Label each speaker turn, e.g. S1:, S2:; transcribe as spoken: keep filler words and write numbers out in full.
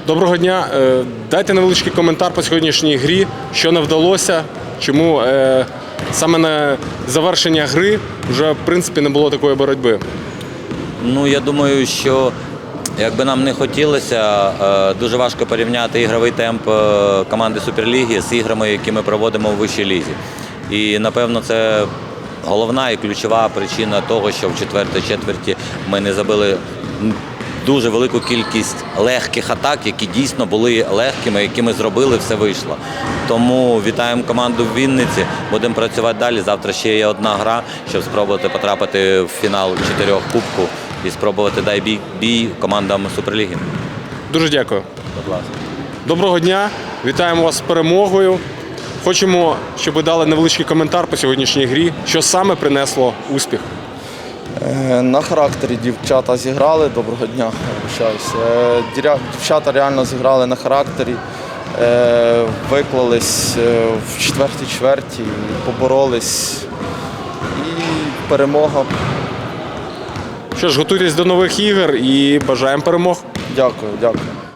S1: Доброго дня. Е, Дайте невеличкий коментар по сьогоднішній грі, що не вдалося, чому е, саме на завершення гри вже в принципі не було такої боротьби.
S2: Ну, я думаю, що якби нам не хотілося, е, дуже важко порівняти ігровий темп е, команди Суперліги з іграми, які ми проводимо в вищій лізі. І, напевно, це головна і ключова причина того, що в четвертій четверті ми не забили дуже велику кількість легких атак, які дійсно були легкими, які ми зробили, все вийшло. Тому вітаємо команду в Вінниці, будемо працювати далі. Завтра ще є одна гра, щоб спробувати потрапити в фінал чотирьох кубку і спробувати дай бій, бій командам Суперліги.
S1: Дуже дякую.
S2: Будь ласка.
S1: Доброго дня, вітаємо вас з перемогою. Хочемо, щоб ви дали невеличкий коментар по сьогоднішній грі, що саме принесло успіх.
S3: На характері дівчата зіграли. Доброго дня, вибачаюсь. Дівчата реально зіграли на характері, виклались в четвертій чверті, поборолись. І перемога.
S1: Що ж, готуйтесь до нових ігор і бажаємо перемог.
S3: Дякую, дякую.